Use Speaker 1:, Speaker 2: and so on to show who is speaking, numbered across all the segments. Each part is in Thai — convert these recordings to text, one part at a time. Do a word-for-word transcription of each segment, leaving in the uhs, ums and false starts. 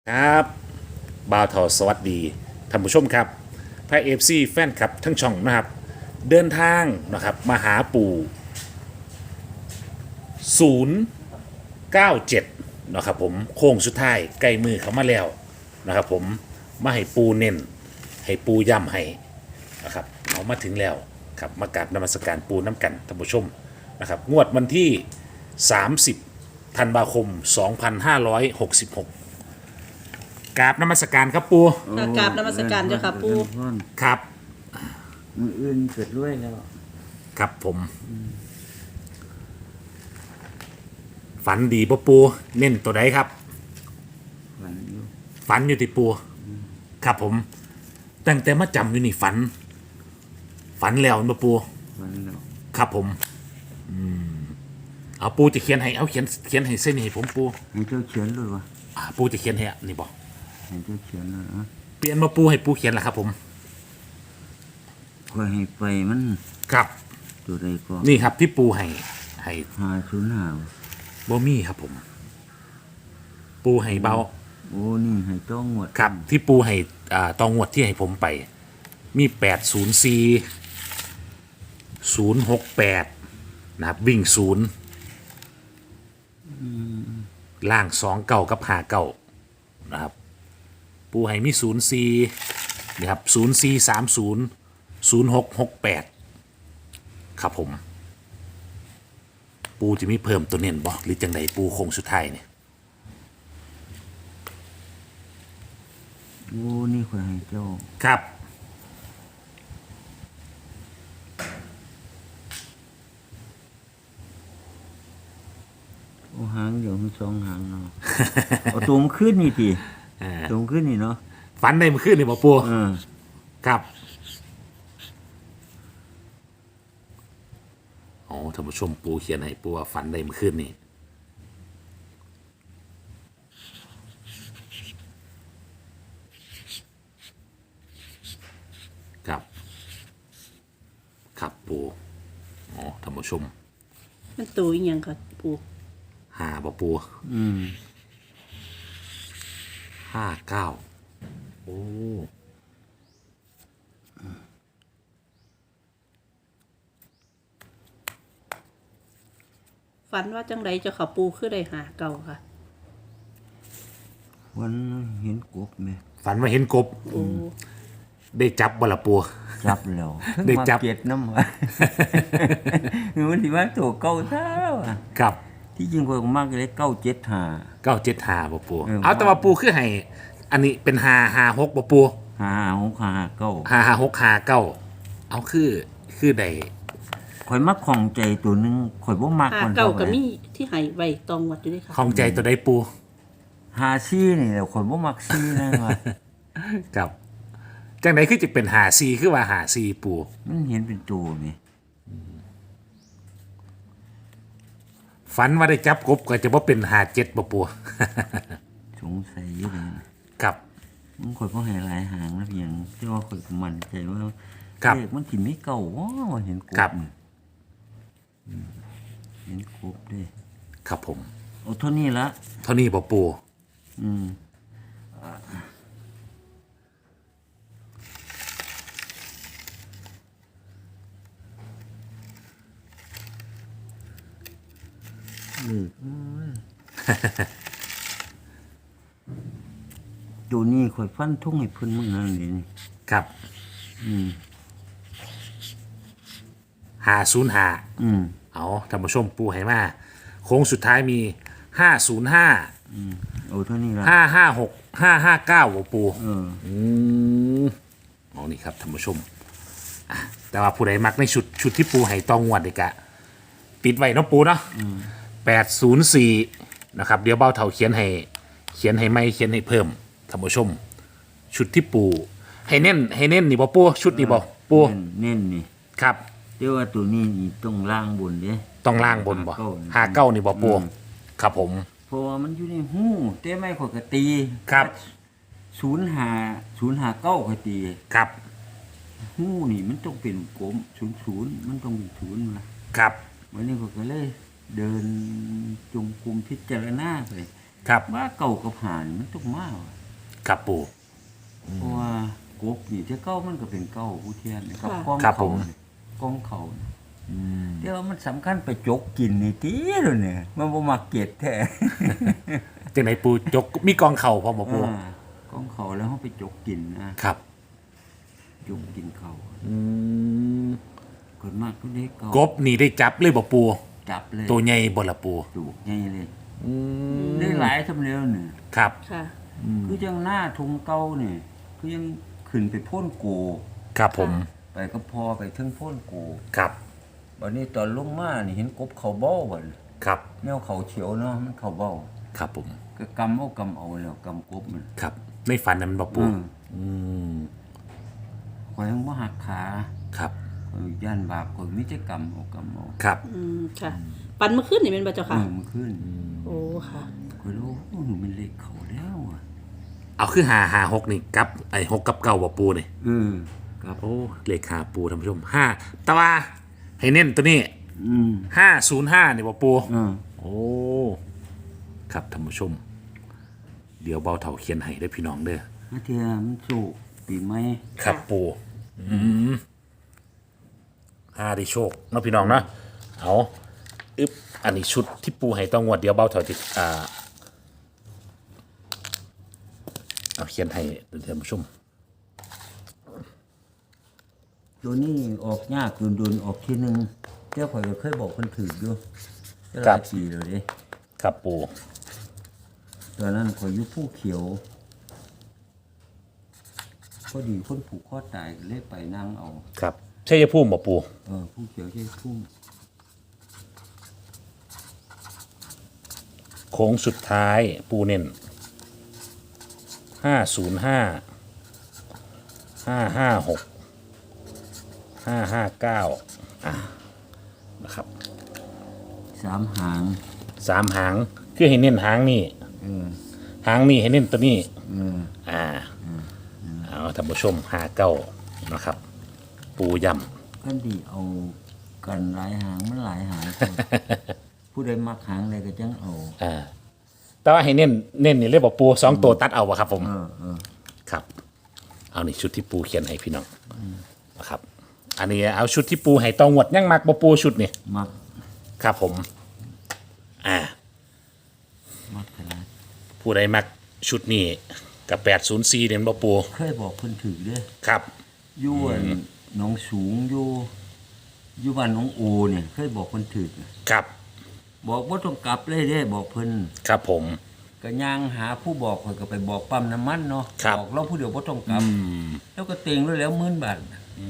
Speaker 1: ครับบ่าวทอสวัสดีท่านผู้ชมครับพระเอฟซีแฟนคลับทั้งช่องนะครับเดินทางนะครับมาหาปู่ศูนย์ เก้า เจ็ดนะครับผมโค้งสุดท้ายใกล้มือเขามาแล้วนะครับผมมาให้ปูเน้นให้ปูย่ำให้นะครับเอามาถึงแล้วครับมากราบนมัสการปูน้ำกันท่านผู้ชมนะครับงวดวันที่ สามสิบ ธันวาคม สองพันห้าร้อยหกสิบหกกราบนมัสการครับปู
Speaker 2: ค่ะกราบนมัสการเจ้าค่ะปู่
Speaker 1: ครับ
Speaker 3: มืออื่นเกิดด้วยแล้ว
Speaker 1: ครับผมฝันดีปะปูเน้นตัวใดครับ
Speaker 3: วันอยู่
Speaker 1: ฝันอยู่ที่ปูครับผมตั้งแต่มาจำอยู่นี่ฝัน ฝันแล้วปะปู
Speaker 3: วันแล้ว
Speaker 1: ครับผมอืมเอาปูจะเขียนให้เอาเขียนเขียนให้เส้นให้ผมปู
Speaker 3: ให้เจ้าเขียนเลยวะ
Speaker 1: อ่าปูจะเขียนให้นี่บอก
Speaker 3: ให้เจ้าเขียนเลยนะ
Speaker 1: เปลี่ยนมาปูให้ปูเขียนละครับผม
Speaker 3: คอยให้ไปมัน
Speaker 1: ครับ
Speaker 3: ตัวใดก็
Speaker 1: นี่ครับที่ปูให้ให้
Speaker 3: หาศูนย์หา
Speaker 1: บ่มี่ครับผม ปูให้เบา
Speaker 3: โอ้นี่ให้ต้องหมด
Speaker 1: ครับที่ปูให้อ่าตองวดที่ให้ผมไป มีแปดศูนย์สี่ศูนย์หกแปดนะครับวิ่งศูนย์ล่างสองเก่ากับหาเก่านะครับ ปูให้มีศูนย์สี่นะครับศูนย์สี่สามศูนย์ศูนย์หกหกแปดครับผม ปูจะมีเพิ่มตัวเน้นบอกหรือจังใดปูโคงสุดท้ายเนี่ย
Speaker 3: โอ้นี่คอยให้เจ้า
Speaker 1: ครับ
Speaker 3: โอ้หางเดี๋ยวมีสองหางเนาะ เอาตัวมันขึ้นนี่ทีตัวมันขึ้นนี่เนาะ
Speaker 1: ฝันได้เมื่อคืนนี่บอกปู
Speaker 3: เออ
Speaker 1: ครับอ๋อท่านผู้ชมปูเขียนให้ปูว่าฝันได้เมื่อคืนนี่ครับ ครับปูอ๋อท่านผู้ชม
Speaker 2: มันตัวอีหยังค่ะปู่
Speaker 1: หาบ่ปู
Speaker 3: อืม
Speaker 1: ห้าเก้าโอ้
Speaker 2: ฝันว่าจังไดเจ้าค่ะปู่คือได้หาเก่าค่ะ
Speaker 3: วันเห็นกบไหม
Speaker 1: ฝันว่าเห็นกบ
Speaker 2: โอ้
Speaker 1: ได้จับบ่ละปู
Speaker 3: จับแล้ว
Speaker 1: ได้จับ
Speaker 3: มาเก็ดน้ำวะ มันที่ว่าตัวเก่าเท่าอะ
Speaker 1: ครับ
Speaker 3: ที่จริงคนมากเลยเก้าเจ็ดหา
Speaker 1: เก้าเจ็ดหาบ่ปู
Speaker 3: เออ
Speaker 1: เอาแต่ว่าปูคือให้อันนี้เป็นหาหาหกบ่ปู
Speaker 3: หาหกหาเก้า
Speaker 1: หาหาหกหาเก้าเอาคือคือใด
Speaker 3: ข่อยมักของใจตัวหนึงข่อยบ่มัก
Speaker 2: หา
Speaker 3: คน
Speaker 2: เก่า
Speaker 3: เท่า
Speaker 2: ก็
Speaker 3: ไหร่
Speaker 2: มีที่ให้ไว้ตองวัดอยู่ด้วยค่ะ
Speaker 1: ของใจตัวใดปู
Speaker 3: หาซี่นี่แหละข่อยบ่มักซี่นะว่า
Speaker 1: ครับจังไดคือจะเป็นหาซีคือว่าหาซีปู
Speaker 3: มันเห็นเป็นตัวนี่
Speaker 1: ฝันว่าได้จับกบก็จะว่าเป็นหาเจ็ดบ่ปู
Speaker 3: สงสัยอยู่เลยนะครับ มันข่อยบ่ให้หลายหางนะเพียงที่ว่าข่อยก็มั่นใจว่า
Speaker 1: ครับ
Speaker 3: เลขมันสิไม่เก่าว้าเห็นกบ
Speaker 1: ครับ
Speaker 3: นี่อืมเห็นกบเด้
Speaker 1: ครับผม
Speaker 3: เอาเท่านี้ละ
Speaker 1: เท่านี้บ่ปู
Speaker 3: อืมเลขเอ้ย ตัวนี้ข่อยฟันทุ่งให้เพิ่นมึงนั่นนี่นี่
Speaker 1: ครับ
Speaker 3: อืม
Speaker 1: หาศูนย์หา
Speaker 3: อืม
Speaker 1: เอาท่านผู้ชมปูให้มาโค้งสุดท้ายมีห้าศูนย์ห้า
Speaker 3: เอาเท่านี้ละ
Speaker 1: ห้าห้าหกห้าห้าเก้าบ่ปู
Speaker 3: เออ
Speaker 1: อืมเอานี่ครับท่านผู้ชมอ่ะแต่ว่าผู้ใดมักในชุดชุดที่ปูให้ตองงวดเด็กอะปิดไว้เนาะปูเนาะแปดศูนย์สี่นะครับ เดี๋ยวเบ้าเถาเขียนให้เขียนให้ไม่เขียนให้เพิ่มท่านผู้ชม ชุดที่ปูให้เน้นให้เน้นนี่บ่ปูชุดนี่บ่ปู
Speaker 3: เน้นเน้นนี่
Speaker 1: ครับ
Speaker 3: เรียกว่าตัวนี้นี่ต้องล่างบนเด้
Speaker 1: ต้องล่างบนบ่
Speaker 3: ห้าเก้า
Speaker 1: ห้าเก้านี่บ่ปู
Speaker 3: อืม
Speaker 1: ครับผม
Speaker 3: เพราะว่ามันอยู่ในหูแต่ไม่ข่อยก็ตี
Speaker 1: ครับ
Speaker 3: ศูนย์หาศูนย์หาเก้าข่อยตี
Speaker 1: ครับ
Speaker 3: หูนี่มันต้องเป็นกลมศูนย์ศูนย์มันต้องเป็นศูนย์มา
Speaker 1: ครับ
Speaker 3: วันนี้ข่อยก็เลย เดินจงกรมพิจารณาไป
Speaker 1: ครับ
Speaker 3: ว่าเก่ากับหานี่มันต้องมาว่ะ
Speaker 1: ครับปู
Speaker 3: เพราะว่ากบนี่ที่เก้ามันก็เป็นเก้าผู้เทียนนี่กับ
Speaker 2: ค่ะ
Speaker 3: กอง
Speaker 1: ครับผ
Speaker 3: เขา
Speaker 1: ม
Speaker 3: นี่กองเขานี่แต่ว่ามันสำคัญไปจกกินนี่ติเลยเนี่ยมันบ่มักเก็ดแท้
Speaker 1: จังไหนปูจกมีกองเข่าพร้อมบ่ปู
Speaker 3: อ่ากองเขาแล้วเฮาไปจกกินนะครับ จกกินเขา
Speaker 1: อืม
Speaker 3: คนมากก็ได้เก่าก
Speaker 1: บนี่ได้จับเลยบ่ปู
Speaker 3: จับเลย
Speaker 1: ตัวใหญ่บ่ละปู
Speaker 3: จูกใหญ่เลย
Speaker 1: อืม
Speaker 3: ได้หลายทำแล้วเนี่ย
Speaker 1: ครับ
Speaker 2: ค่ะ
Speaker 3: คือจังหน้าทุงเก่านี่คือยังขึ้นไปโพ่นโก
Speaker 1: ครับผม
Speaker 3: ไปก็พอไปถึงโพ่นโก
Speaker 1: ครับ
Speaker 3: บัดนี้ตอนลงมานี่เห็นกบเขาเบ้าบัด
Speaker 1: ครับ
Speaker 3: แนวเขาเฉียวเนาะมันเขาเบ้า
Speaker 1: ครับผม
Speaker 3: ก็กำเอากำเอาแล้วกำกบมัน
Speaker 1: ครับในฝันนั้นบ่ปู
Speaker 3: อืม
Speaker 1: อืม
Speaker 3: ข่อยยังบ่หักขา
Speaker 1: ครับ
Speaker 3: ข่อยย่านบาปข่อยมีแต่กำเอากำเอา
Speaker 1: ครับ
Speaker 2: อืมค่ะ ปันเมื่อคืนนี่เป็นบ่เจ้า
Speaker 3: เอ
Speaker 2: ค่ะ
Speaker 3: อมันขึ้น
Speaker 2: โอ้ค่ะ
Speaker 3: ข่อยรู้โอ้หนูมันเลขเขาแล้วอ่ะ
Speaker 1: เอาคือหาหาหกนี่กับไอ้หกกับเก้าบ่ปูนี่
Speaker 3: เออครับ
Speaker 1: โอ้เลขหาปูท่านผู้ชมห้าแต่ว่าให้เน้นตัวนี้
Speaker 3: อืม
Speaker 1: ห้าศูนย์ห้านี่บ่ปู
Speaker 3: เออ
Speaker 1: โอ้ ครับท่านผู้ชม เดี๋ยวเบาเถาเขียนให้ได้อพี่น้องเด้อ
Speaker 3: มาเทียมันสู้ปีใหม่
Speaker 1: ครับปูอืมห้าได้โชคเนาะพี่น้องเนาะเอาอึ๊บอันนี้ชุดที่ปูให้ต้องงวดเดี๋ยวเบาเถาจิอ่าเอาเขียนให้ท่านผู้ชม
Speaker 3: ตัวนี้ออกยากโดนๆออกทีนึงเจ้าข่อยก็เคยบอกเพิ่นถืออยู่แต่ห
Speaker 1: ครั
Speaker 3: ลา
Speaker 1: บ
Speaker 3: ยปีแล้วเด้
Speaker 1: ครับปู
Speaker 3: ตอนนั้นข่อยอยู่ผู้เขียวพอดีคนผูกคอตายก็เลยไปนั่งเอา
Speaker 1: ครับใช่ยภูมิบ่ปู
Speaker 3: เออผู้เขียวใช่ทุ่ง
Speaker 1: โค้งสุดท้ายปูเน้นห้าศูนย์ห้าห้าห้าหกห้าห้าเก้าอ่ะนะครับ
Speaker 3: สามหาง
Speaker 1: สามหางคือให้เน้นหางนี่
Speaker 3: เออ
Speaker 1: หางนี่ให้เน้นตัวนี้
Speaker 3: เออ
Speaker 1: อ่าเอาท่านผู้ชมหาเก้านะครับ ปูย่
Speaker 3: กันดีเอากันหลายหางมันหลายหาง ผู้ใดมักหางใดก็จังเอา
Speaker 1: ำอ่าแต่ว่าให้เน้นเน้นนี่เลยบอกปูสองตัวตัดเอาวะครับผม
Speaker 3: เออเออ
Speaker 1: ครับ เอานี่ชุดที่ปูเขียนให้พี่น้องนะครับ อันนี้เอาชุดที่ปูให้ตองหวดยังมักบ่ปูชุดนี่
Speaker 3: มัก
Speaker 1: ครับผม อ่า
Speaker 3: มักขนาด
Speaker 1: ผู้ใดมักชุดนี้กับแปดศูนย์สี่เด่นบ่ปู
Speaker 3: เคยบอกเพิ่นถือเด้อ
Speaker 1: ครับ
Speaker 3: อยู่อั่นหนองสูงอยู่อยู่บ้านหนองโอเนี่ยเคยบอกเพิ่นถือ
Speaker 1: ครับ
Speaker 3: บอกบ่ต้องกลับเลยเด้บอกเพิ่น
Speaker 1: ครับผม
Speaker 3: ก็ย่างหาผู้บอกข่อยก็ไปบอกปั๊มน้ำมันเนาะ
Speaker 1: ครับ
Speaker 3: บอกเราผู้เดียวบ่ต้องกลับ แล้วก็เต็งแล้วแล้วหมื่นบาท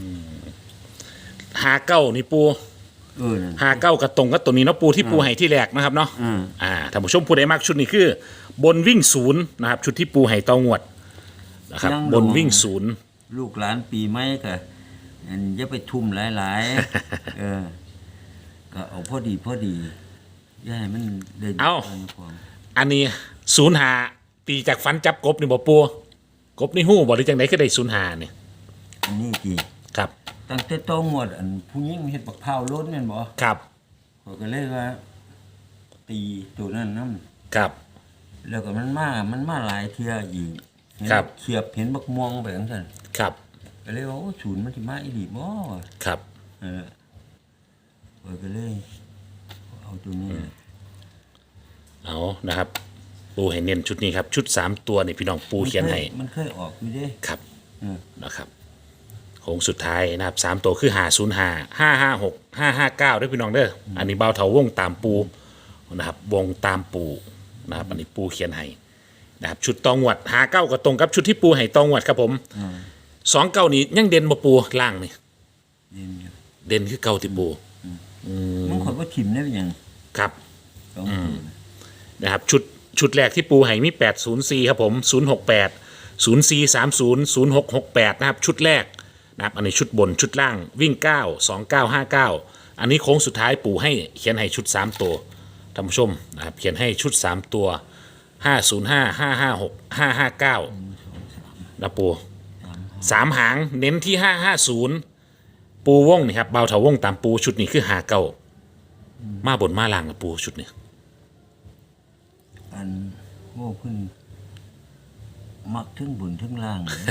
Speaker 1: หาเก้านี่ปู
Speaker 3: เออนั่น
Speaker 1: หาเก้ากับตรงกับตัวนี้เนาะปูที่ปูให้ที่แรกนะครับเนาะ
Speaker 3: อืม
Speaker 1: อ่าท่านผู้ชมผู้ใดมักชุดนี้คือ บนวิ่งศูนย์นะครับ ชุดที่ปูให้ตองวดนะครับ บนวิ่งศูนย์
Speaker 3: ลูกหลานปีใหม่ก็อันอย่าไปทุ่มหลาย ๆ เออ ก็เอาพอดีพอดีอย่าให้มันได้
Speaker 1: เอ้า
Speaker 3: นความ
Speaker 1: อันนี้ศูนย์หาตีจากฟันจับกบนี่บ่ปูกบนี่หู้บ่หรือจังไดคือได้ศูนย์หาเนี่ย
Speaker 3: อันนี้จี
Speaker 1: ครับ
Speaker 3: ตั้งแต่โตงวดอันผู้หญิงเฮ็ดบักพร้าวล้นแม่นบ่
Speaker 1: ครับ
Speaker 3: ข้อยก็เลยว่า ตีตัวนั้นนำ
Speaker 1: ครับ
Speaker 3: แล้วก็มันมามันมาหลายเที่ยอีกเห็น
Speaker 1: ครับ
Speaker 3: เขียบเห็นบักม่วงไปจังซั่น
Speaker 1: ครับ
Speaker 3: ก็เลยว่าโอ้ศูนย์มันสิมาอีหลีบ่
Speaker 1: ครับ
Speaker 3: เออข้อยก็เลยเอาตัวนี้
Speaker 1: เอานะครับ ปูให้เน้นชุดนี้ครับ ชุดสามตัวนี่พี่น้องปูเขียนให้
Speaker 3: มันเคยออกอยู่เด้
Speaker 1: ครับ
Speaker 3: เออ
Speaker 1: นะครับโค้งสุดท้ายนะครับสามตัวคือหาศูนย์หาห้าห้าหกห้าห้าเก้าด้วยพี่น้องเด้ออันนี้เบาเถาวงตามปูนะครับวงตามปูนะครับอันนี้ปูเขียนให้นะครับชุดตองหวดหาเก้าก็ตรงกับชุดที่ปูให้ตองหวดครับผมสองเก้านี้ยังเด่นบ่ปูล่างนี่
Speaker 3: เด่นอยู่
Speaker 1: เด่นคือเก้าที่ปู
Speaker 3: มันข่อยบ่ถิ่มได้เป็นหยัง
Speaker 1: ครับ
Speaker 3: สองตัว
Speaker 1: นะครับชุดชุดแรกที่ปูให้มีแปดศูนย์สี่ครับผมศูนย์หกแปดศูนย์สี่สามศูนย์ศูนย์หกหกแปดนะครับชุดแรกนะครับอันนี้ชุดบนชุดล่างวิ่งเก้าสองเก้าห้าเก้าอันนี้โค้งสุดท้ายปูให้เขียนให้ชุดสามตัวท่านผู้ชมนะครับเขียนให้ชุดสามตัวห้าศูนย์ห้าห้าห้าหกห้าห้าเก้านะปูสามหางเน้นที่ห้าห้าศูนย์ปูวงนี่ครับเบาเถาวงตามปูชุดนี้คือหาเก้ามาบนมาล่างนะปูชุดนี้
Speaker 3: อันโอ้เพิ่นมักทั้งบุญทั้งล่างเลย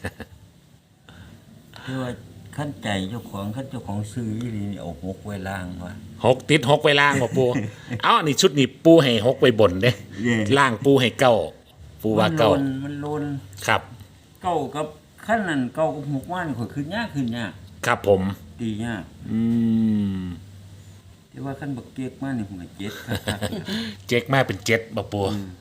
Speaker 3: ที่ว่าขั้นใจเจ้าของขั้นเจ้าของซื้ออีหลีนี่เอาหกไว้ล่างว่า
Speaker 1: หกติดหกไปล่างบ่ปู เอ้าอันนี้ชุดนี้ปูให้หกไปบนเด้
Speaker 3: เย่
Speaker 1: ล่างปูให้เก้าปูว่าเก้า
Speaker 3: มันโลนมันโลน
Speaker 1: ครับ
Speaker 3: เก้ากับขั้นนั้นเก้ากับหกว่านข่อยขึ้นยากขึ้นยาก
Speaker 1: ครับผม
Speaker 3: ตียาก
Speaker 1: อืม
Speaker 3: แต่ว่าขั้นบักเกียกมานี่ผมก็เจ็ดครับ
Speaker 1: เจ๊กมาเป็นเจ็ดบ่ปู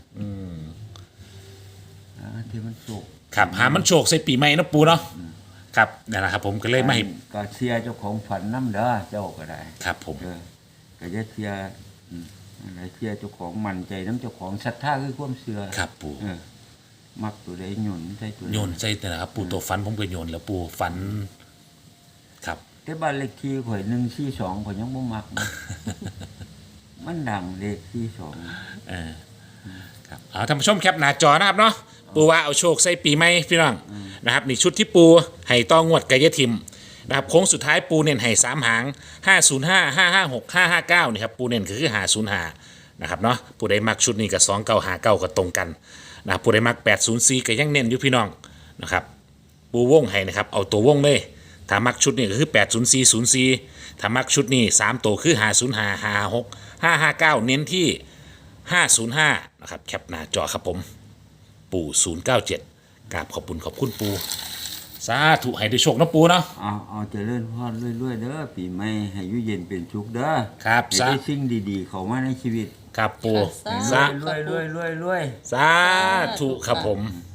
Speaker 3: อ่าที่มันสุก
Speaker 1: ครับหามันโชคใส่ปีใหม่เนาะปูเนาะครับนั่นแหละครับผมก็เลยมาให้
Speaker 3: ก็เสียเจ้าของฝันน้ำเด้อเจ้าก็ได้
Speaker 1: ครับผม
Speaker 3: เออก็จะเสียอืมอะไรเสียเจ้าของมั่นใจน้ำเจ้าของศรัทธาคือความเชื่อ
Speaker 1: ครับปู
Speaker 3: เออมักตัวใดหย่นใส่ตัว
Speaker 1: โยนใส่แต่ละครับปูตัวฟันผมก็โยนแล้วปูฟัน ครับ
Speaker 3: แต่บ้านเลขที่ข่อยหนึ่งสี่สองข่อยยังบ่มัก นะ มันดังเลขที่สอง
Speaker 1: เออครับเอาท่านผู้ชมแคปหน้าจอนะครับเนาะปูว่าเอาโชคใส่ปีใหม่พี่น้องนะครับนี่ชุดที่ปูให้ต้องงวดกายทิมนะครับโค้งสุดท้ายปูเน้นให้สามหางห้าศูนย์ห้าห้าห้าหกห้าห้าเก้านี่ครับปูเน้นคือห้าศูนย์ห้านะครับเนาะปูได้มักชุดนี้กับสองเก้าหาเก้าก็ตรงกันนะครับปูได้มักแปดศูนย์สี่ก็ยังเน้นอยู่พี่น้องนะครับปูวงให้นะครับเอาตัววงเลยถ้ามักชุดนี้ก็คือแปดศูนย์สี่ศูนย์สี่ถ้ามักชุดนี้สามตัวคือห้าศูนย์ห้าห้าหกห้าห้าเก้าเน้นที่ห้าศูนย์ห้านะครับแคปหน้าจอครับผมปู่ศูนย์เก้าเจ็ดกราบขอบคุณขอบคุณปู่สาธุให้ได้โชคนะปู่เนาะ
Speaker 3: เอาเอาเจริญพรเรื่อยๆเด้อปีใหม่ให้อยู่เย็นเป็นสุขเด้อ
Speaker 1: ครับ
Speaker 3: ให้
Speaker 1: สา
Speaker 3: ได้สิ่งดีๆเข้ามาในชีวิต
Speaker 1: ครับปู่
Speaker 2: ค่ะ
Speaker 1: สา
Speaker 3: รวยๆรวยๆรวยๆ
Speaker 1: สาธุครับผม
Speaker 3: อืม